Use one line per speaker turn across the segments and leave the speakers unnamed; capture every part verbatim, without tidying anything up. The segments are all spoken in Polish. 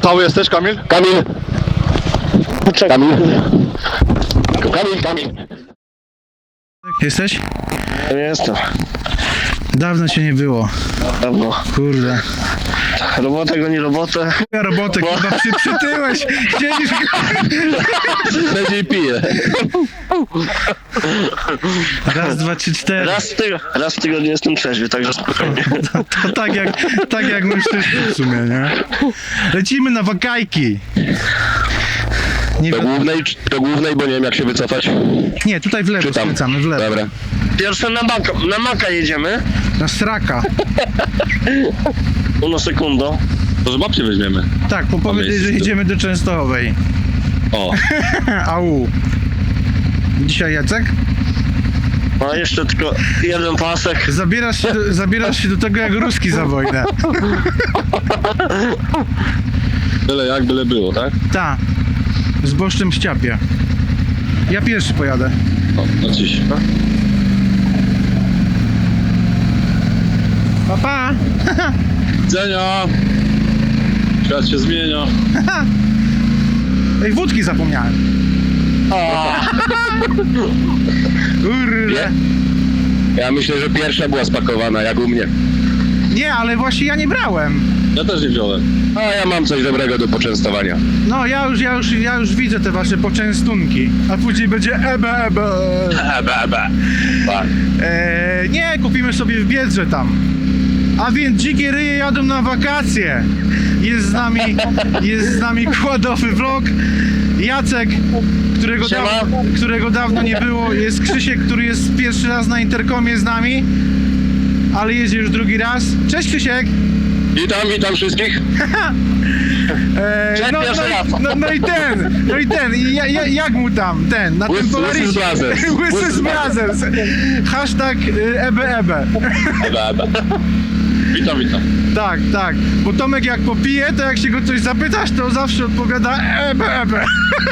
Cały jesteś, Kamil?
Kamil! Kamil! Kamil, Kamil!
Jesteś?
Nie jestem.
Dawno cię nie było.
Dawno.
Kurde.
Robotę goni robotę.
Ja robotę, kurwa, przy, przytyłeś. Siedzisz...
Będzie pije.
Raz, dwa, trzy, cztery.
Raz w, tygo, raz w tygodniu jestem trzeźwy, także spokojnie.
To, to tak jak, tak jak my wszyscy w sumie, nie? Lecimy na wakajki. Nie,
Do
wi-
głównej, do głównej, bo nie wiem jak się wycofać.
nie, tutaj w lewo
Czy tam?
skręcamy, w lewo.
Dobra. Pierwsze na maka, na maka jedziemy.
Na straka.
Uno sekundo.
To z babci weźmiemy.
Tak, po powiedzieć, że
miejscu.
idziemy do Częstochowej.
O,
Au. Dzisiaj Jacek?
No jeszcze tylko jeden pasek.
Zabierasz się do, zabierasz się do tego jak ruski za wojnę.
byle jak, byle było, tak?
Ta. Z boszczem w ściapie. Ja pierwszy pojadę.
O, no dziś.
Pa, pa.
Widzenia! Świat się zmienia.
Ej, wódki zapomniałem. Kurde.
Nie? Ja myślę, że pierwsza była spakowana, jak u mnie.
Nie, ale właśnie ja nie brałem.
Ja też nie wziąłem.
A ja mam coś dobrego do poczęstowania.
No, ja już, ja już, ja już widzę te wasze poczęstunki. A później będzie ebe, ebe.
Ebe, ebe. Tak.
Eee, nie, kupimy sobie w Biedrze tam. A więc dzikie ryje jadą na wakacje. Jest z nami, jest z nami kładowy vlog. Jacek, którego,
Siema.
dawno, którego dawno nie było. Jest Krzysiek, który jest pierwszy raz na interkomie z nami. Ale jedzie już drugi raz. Cześć Krzysiek.
Witam, witam wszystkich.
Eee,
Cześć,
no,
pierwszy
no,
raz.
i, no, no i ten, no i ten, I ja, ja, jak mu tam, ten, na
Łysy-
tym Polarisie.
Łysy z Brothers.
Łysy
Łysy
z
z
Brothers. Hashtag y, ebe, ebe.
Ebe, ebe.
Witam, witam.
Tak, tak, bo Tomek jak popije, to jak się go coś zapytasz, to zawsze odpowiada ebe, ebe.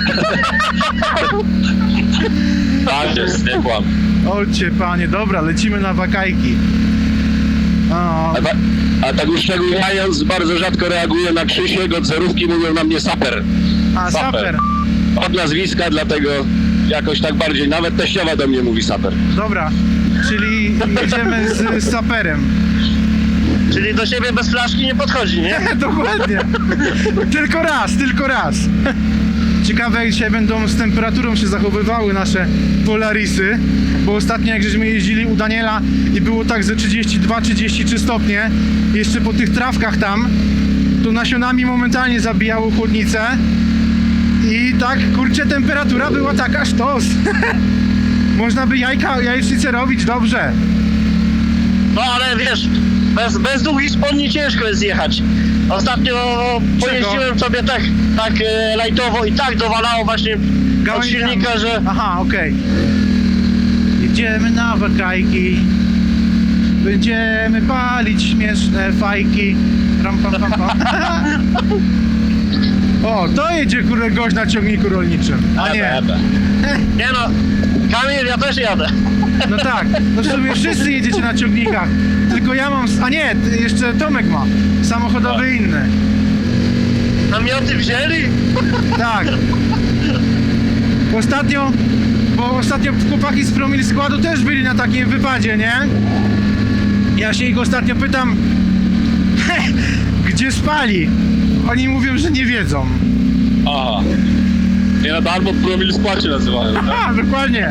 Tak jest, nie kłam.
Olcie panie, dobra, lecimy na wakajki. O,
A, ta, a tak uszczegółowiając, bardzo rzadko reaguję na Krzysiek, od zerówki mówią na mnie saper.
a saper.
Od nazwiska, dlatego jakoś tak bardziej, nawet teściowa do mnie mówi saper.
Dobra, czyli jedziemy z, z saperem.
Czyli do siebie bez flaszki nie podchodzi, nie?
Dokładnie. Tylko raz, tylko raz. Ciekawe jak dzisiaj będą z temperaturą się zachowywały nasze Polarisy, bo ostatnio jak żeśmy jeździli u Daniela i było tak ze trzydzieści dwa trzydzieści trzy stopnie, jeszcze po tych trawkach tam, to nasionami momentalnie zabijało chłodnicę i tak, kurczę, temperatura była taka sztos. Można by jajka, jajecznicę robić dobrze.
No ale wiesz, bez, bez długich spodni ciężko jest jechać. Ostatnio pojeździłem sobie tak, tak e, lajtowo i tak dowalało właśnie od
Gałęziami.
silnika, że...
Aha, okej. Jedziemy na wakajki. Będziemy palić śmieszne fajki. Ram, pam, pam, pam. O, to jedzie kurde gość na ciągniku rolniczym. A nie.
Ebe, ebe. Nie no, Kamil, ja też jadę.
No tak, no w sumie wszyscy jedziecie na ciągnikach. Tylko ja mam. A nie, jeszcze Tomek ma. Samochodowy inny.
Namioty wzięli?
Tak. Ostatnio, bo ostatnio chłopaki z Promil Składu też byli na takim wypadzie, nie? Ja się ich ostatnio pytam, gdzie spali? Oni mówią, że nie wiedzą.
Aha. Nie na darmo promil składzie nazywają, tak?
A, dokładnie.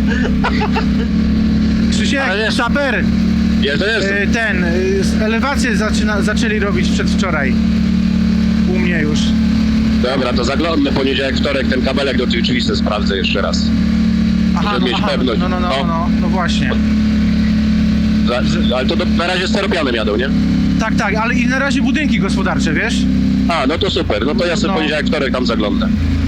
Krzysiek,
Ale wiesz-
saper,
Jeszcze jestem.
y, ten, y, elewację zaczyna, zaczęli robić przedwczoraj. U mnie już.
Dobra, to zaglądnę poniedziałek, wtorek, ten kabelek do tych drzwi se sprawdzę jeszcze raz.
Aha,
Żeby
no,
mieć
aha,
pewność.
no, no, no,
No.
no, no właśnie.
Za, ale to do, na razie steropianem jadą, nie?
Tak, tak, ale i na razie budynki gospodarcze, wiesz?
A, no to super, no to ja sobie
No.
poniedziałek, wtorek tam zaglądnę.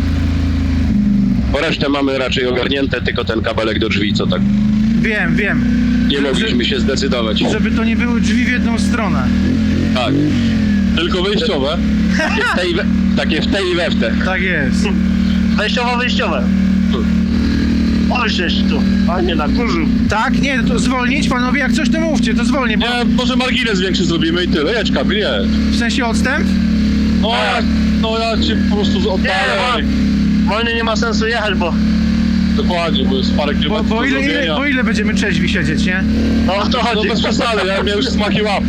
Po resztę mamy raczej ogarnięte, tylko ten kabelek do drzwi, co tak
Wiem, wiem.
nie mogliśmy się zdecydować.
Żeby to nie były drzwi w jedną stronę.
Tak,
Tylko wyjściowe.
takie w tej, i we, takie w tej i we w te.
Tak jest.
Wejściowo-wyjściowe. Oj, żeś tu, panie na kurzu.
Tak? Nie, to zwolnić, panowie, jak coś to mówcie, to zwolnię, bo
Nie, może margines większy zrobimy i tyle. Jedź, Kamil, nie.
w sensie odstęp?
No ja, no ja cię po prostu
Nie,
oddalę.
bo wolny nie ma sensu jechać, bo
Dokładnie, bo jest parę
Bo,
kilometrów
bo,
do
ile, ile,
zrobienia.
bo ile będziemy trzeźwi siedzieć, nie?
no o to
No
chodzi.
bez przesady, ja miałem już smaki łapy.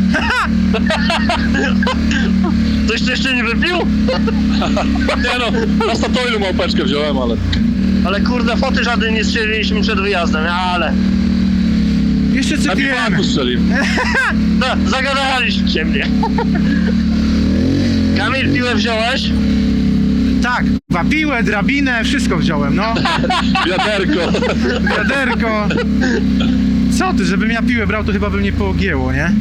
Coś ty jeszcze nie wypił?
Nie no, na Statoilu małpeczkę wziąłem, ale...
Ale kurde, foty żadnej nie strzeliliśmy przed wyjazdem, ale...
Jeszcze
Na
cytujemy.
biwaku strzeliłem.
No, zagadaliście mnie. Kamil, piłę wziąłeś?
Tak, kurwa, piłę, drabinę, wszystko wziąłem, no.
Wiaderko.
Wiaderko. Co ty, żebym ja piłę brał, to chyba by mnie poogięło, nie?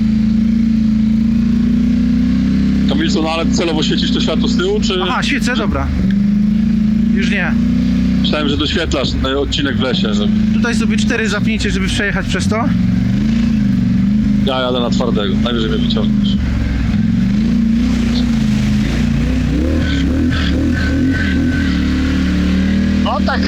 Kamilson, ale celowo świecisz to światło z tyłu, czy...
Aha, świecę, dobra. Już nie.
Myślałem, że doświetlasz ten odcinek w lesie, że...
Tutaj sobie cztery zapnijcie, żeby przejechać przez to.
Ja jadę na twardego, najwyżej mnie wyciągniesz.
No tak.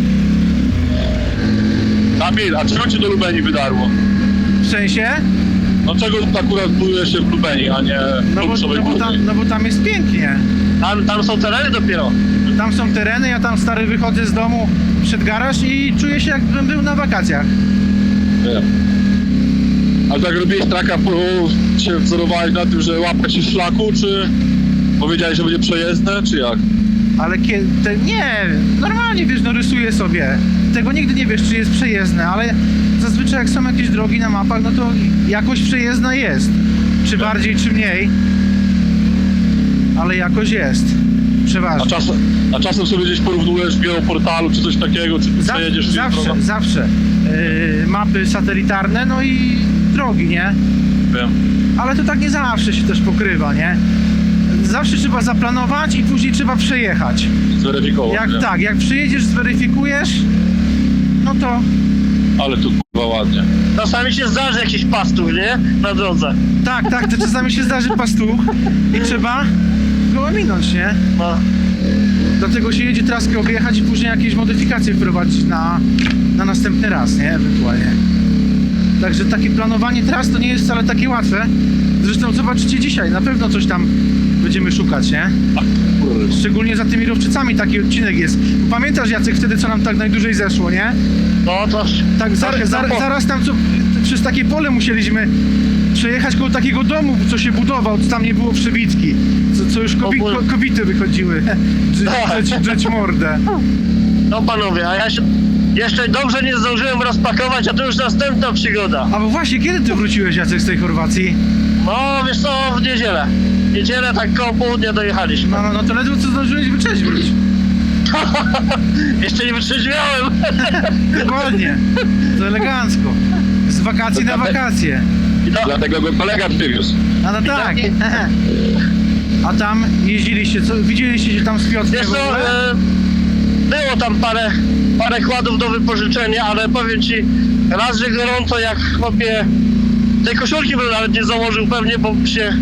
Kamil, a czego cię do Lubeni wydarło?
W sensie?
No czego akurat buduje się w Lubeni, a nie w
No bo,
Lubuszowej
no, bo
Górze?
tam, no bo tam jest pięknie.
Tam, tam są tereny dopiero.
Tam są tereny, ja tam stary wychodzę z domu przed garaż i czuję się jakbym był na wakacjach.
Wiem. Ale tak robiłeś traka, bo się wzorowałeś na tym, że łapać się szlaku, czy powiedziałeś, że będzie przejezdne, czy jak?
Ale kiedy... Te, nie, normalnie wiesz, no rysuję sobie. Tego nigdy nie wiesz, czy jest przejezdne, ale zazwyczaj jak są jakieś drogi na mapach, no to jakoś przejezdna jest. Czy bardziej, czy mniej. Ale jakoś jest.
A,
Przeważnie.
czas, a czasem sobie gdzieś porównujesz w geoportalu, czy coś takiego, czy ty
Za,
przejedziesz gdzieś
zawsze,
drogą?
zawsze. Yy, mapy satelitarne, no i drogi, nie?
Wiem.
Ale to tak nie zawsze się też pokrywa, nie? Zawsze trzeba zaplanować i później trzeba przejechać.
Zweryfikował.
Jak
nie?
tak, jak przyjedziesz, zweryfikujesz, no to
Ale tu kurwa ładnie.
Czasami się zdarzy jakiś pastuch, nie? Na drodze.
tak, tak, to czasami się zdarzy pastuch i trzeba go ominąć, nie?
No.
Dlatego się jedzie traskę objechać i później jakieś modyfikacje wprowadzić na, na następny raz, nie? Ewentualnie. Także takie planowanie tras to nie jest wcale takie łatwe. Zresztą zobaczycie dzisiaj, na pewno coś tam będziemy szukać, nie?
A, kurwa.
Szczególnie za tymi rowczycami taki odcinek jest. Pamiętasz, Jacek, wtedy co nam tak najdłużej zeszło, nie?
No to...
Tak, za,
trochę
za,
za-
zaraz tam co, przez takie pole musieliśmy przejechać koło takiego domu, co się budował, co tam nie było przebitki, co, co już kobi,
O Boże.
ko, kobiety wychodziły,
Tak.
drzeć, drzeć mordę.
No panowie, a ja się... Jeszcze dobrze nie zdążyłem rozpakować, a to już następna przygoda.
A bo właśnie, kiedy ty wróciłeś, Jacek, z tej Chorwacji?
No wiesz co, w niedzielę. W niedzielę tak koło południa dojechaliśmy.
No, no, no to ledwo co zdążyłeś wyczeźwić.
Jeszcze nie wytrzeźwiałem.
Dokładnie, to elegancko. Z wakacji na wakacje.
I to,
Dlatego go kolega przywiózł.
A no tak.
taki-
A tam jeździliście, co, widzieliście się tam z Piotrkiem
wiesz
w
co,
ogóle?
e, było tam parę, parę kładów do wypożyczenia, ale powiem ci, raz, że gorąco jak chłopie, tej koszulki bym nawet nie założył pewnie, bo by się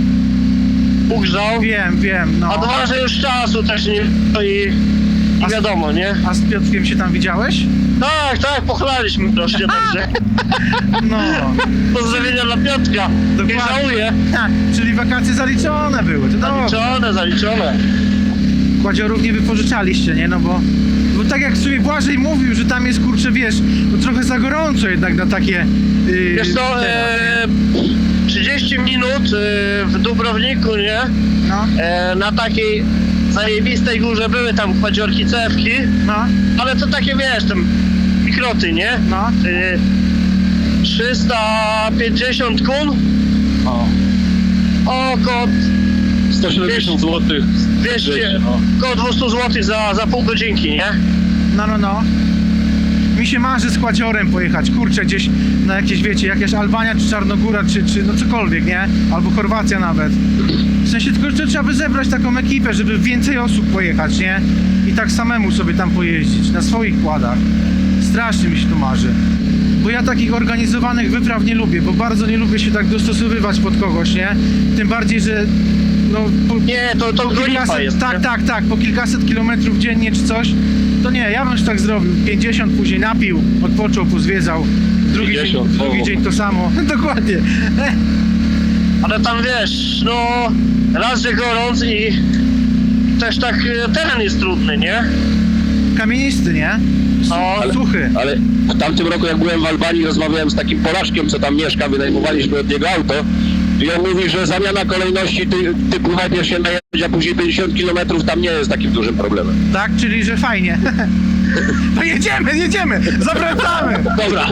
ugrzał.
Wiem, wiem, no.
A dwa, że już czasu też nie to i, i
A-
wiadomo, nie?
A z Piotrkiem się tam widziałeś?
Tak, tak, pochlaliśmy troszkę, także
No.
pozdrowienia dla Piotrka. Nie
Dokładnie.
żałuję.
Ha, czyli wakacje zaliczone były, to dobrze.
Zaliczone, zaliczone.
Kładziorów nie wypożyczaliście, nie? No bo, bo tak jak sobie Błażej mówił, że tam jest, kurczę, wiesz, no trochę za gorąco jednak na takie... Yy,
Wiesz co,
te-
e, trzydzieści minut e, w Dubrowniku, nie?
No,
E, na takiej zajebistej górze były tam kładziorki, cewki,
no,
ale to takie, wiesz, tam mikroty, nie?
no.
E, trzysta pięćdziesiąt kun,
O.
około
sto siedemdziesiąt złotych.
dwieście,
No.
około dwieście złotych za, za pół godzinki, nie?
No, no, no. Mi się marzy z Kładziorem pojechać, kurczę, gdzieś na jakieś, wiecie, jakaś Albania, czy Czarnogóra, czy, czy no cokolwiek, nie? Albo Chorwacja nawet. W sensie tylko, że trzeba by zebrać taką ekipę, żeby więcej osób pojechać, nie? I tak samemu sobie tam pojeździć, na swoich kładach. Strasznie mi się to marzy. Bo ja takich organizowanych wypraw nie lubię, bo bardzo nie lubię się tak dostosowywać pod kogoś, nie? Tym bardziej, że no... Po,
Nie, to, to grupa
kilkaset,
jest.
tak,
nie?
tak, tak, po kilkaset kilometrów dziennie czy coś, to nie, ja bym już tak zrobił. pięćdziesiąt później napił, odpoczął, pozwiedzał. Drugi, dzień,
pięćdziesiąt,
drugi
o.
dzień to samo. Dokładnie.
A ale tam wiesz, no raz, że gorąc i też tak e, teren jest trudny, nie?
Kamienisty, nie?
No,
Ale... Suchy.
Ale w tamtym roku, jak byłem w Albanii, rozmawiałem z takim Polaczkiem, co tam mieszka, wynajmowaliśmy od niego auto. I on mówi, że zamiana kolejności ty, typu najpierw się najeździ, a później pięćdziesiąt kilometrów tam nie jest takim dużym problemem.
Tak, czyli że fajnie. No jedziemy, jedziemy, zawracamy.
Dobra.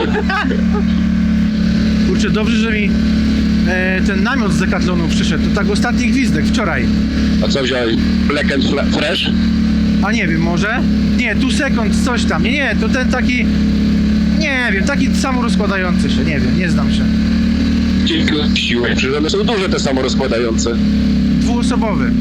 Kurczę, dobrze, że mi e, ten namiot z Decathlonu przyszedł. To tak ostatni gwizdek, wczoraj.
A co wziąłeś? Black and fla- Fresh?
A nie wiem, może? Nie, tu sekund, coś tam. Nie, nie, to ten taki... Nie wiem, taki samorozkładający się, nie wiem, nie znam się.
Kilka siłek, przecież one są duże te samorozkładające.
Dwuosobowy.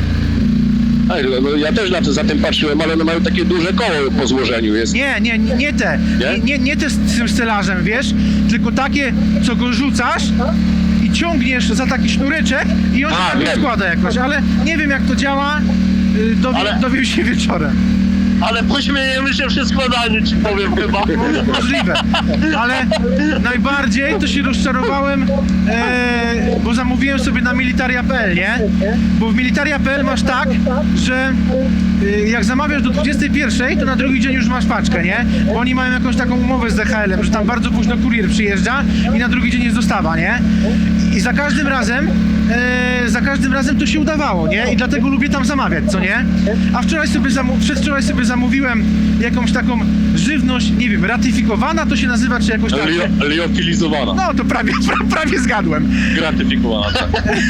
Ej, no ja też na to, za tym patrzyłem, ale one mają takie duże koło po złożeniu. Jest.
Nie, nie, nie, nie te.
Nie?
Nie, nie, nie te z tym stelażem, wiesz? Tylko takie, co go rzucasz i ciągniesz za taki sznureczek i on się
A,
tak
wiem.
rozkłada jakoś, ale nie wiem jak to działa. y, Dowie,
Ale-
Dowiem się wieczorem.
ale pośmiejemy się przy składaniu, ci powiem chyba.
Możliwe, ale najbardziej to się rozczarowałem, e, bo zamówiłem sobie na militaria kropka p l, nie? Bo w militaria kropka p l masz tak, że e, jak zamawiasz do dwudziestej pierwszej, to na drugi dzień już masz paczkę, nie? Bo oni mają jakąś taką umowę z D H L em, że tam bardzo późno kurier przyjeżdża i na drugi dzień jest dostawa, nie? I za każdym razem, e, za każdym razem to się udawało, nie? I dlatego lubię tam zamawiać, co nie? A wczoraj sobie, zamu- przedwczoraj sobie zamówiłem jakąś taką żywność, nie wiem, ratyfikowana to się nazywa, czy jakoś tak.
Lio- liofilizowana.
No to prawie, pra, prawie zgadłem.
Gratyfikowana, tak.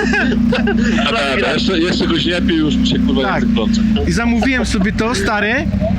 A tak, a jeszcze, jeszcze goś nie pił, już mi się kurwa
Tak.
język plącze.
I zamówiłem sobie to, stary,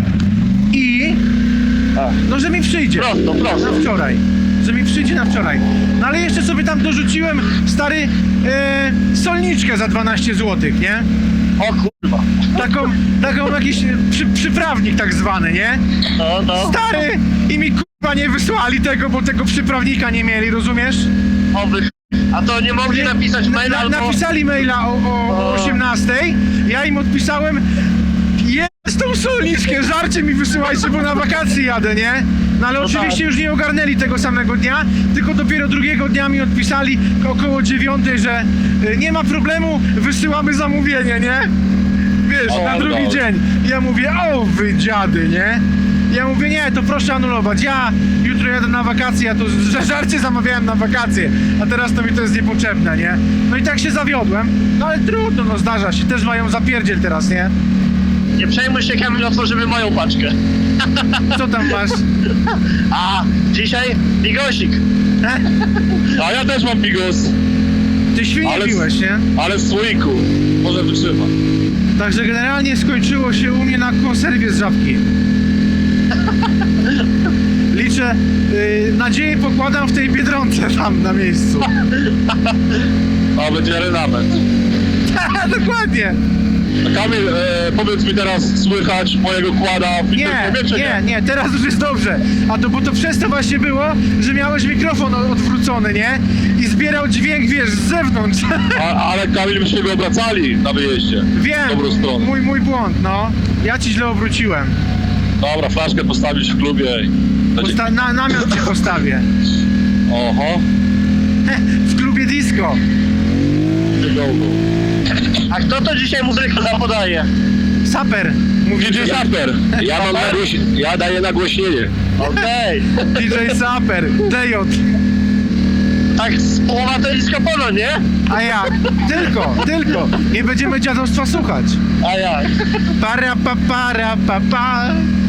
i no, że mi przyjdzie.
Prosto, prosto.
Na wczoraj. Że mi przyjdzie na wczoraj. No ale jeszcze sobie tam dorzuciłem, stary, e, solniczkę za dwanaście złotych, nie?
O kurwa.
Taką, taką jakiś przy, przyprawnik tak zwany, nie?
No, no.
Stary! I mi kurwa nie wysłali tego, bo tego przyprawnika nie mieli, rozumiesz?
Oby. A to nie mogli napisać
Na,
maila
na,
albo...
napisali maila o, o, o osiemnastej, ja im odpisałem, jest tą solniczkę, żarcie mi wysyłajcie, bo na wakacje jadę, nie? No ale
No
oczywiście
tak.
już nie ogarnęli tego samego dnia, tylko dopiero drugiego dnia mi odpisali około dziewiątej, że y, nie ma problemu, wysyłamy zamówienie, nie? Wiesz,
O,
na drugi
dobra.
dzień. Ja mówię, o wy dziady, nie? Ja mówię, nie, to proszę anulować, ja jutro jadę na wakacje, ja to że żarcie zamawiałem na wakacje, a teraz to mi to jest niepotrzebne, nie? No i tak się zawiodłem, no ale trudno, no zdarza się, też mają zapierdziel teraz, nie?
Nie przejmuj się, Kamil, otworzymy moją paczkę.
Co tam masz?
A dzisiaj bigosik.
A ja też mam bigos,
Ty świnie
Ale-
piłeś, nie?
ale w słoiku. Może wytrzyma.
Także generalnie skończyło się u mnie na konserwie z żabki. Liczę, yy, nadzieję pokładam w tej Biedronce tam na miejscu.
A będzie renament.
Dokładnie.
A Kamil, e, powiedz mi teraz, słychać mojego kłada w
Nie,
interkomie, czy
nie, nie, teraz już jest dobrze. A to bo to przez to właśnie było, że miałeś mikrofon o- odwrócony, nie? I zbierał dźwięk, wiesz, z zewnątrz.
A, ale Kamil, myśmy go obracali na wyjeździe.
Wiem,
W dobrą stronę.
mój, mój błąd, no. Ja ci źle obróciłem.
Dobra, flaszkę postawić w klubie i... będzie-
Posta- na, namiot cię postawię.
Oho,
W klubie disco.
wyglądał.
A kto to dzisiaj muzykę zapodaje?
Saper. Mówi
D J Zapper, ja mam nagłoś... ja daję nagłośnienie.
Okej.
D J Saper. D J.
Tak z połowa to jest kapono, nie?
A ja. Tylko, tylko. Nie będziemy dziadostwa słuchać.
A jak?
Para pa para pa pa.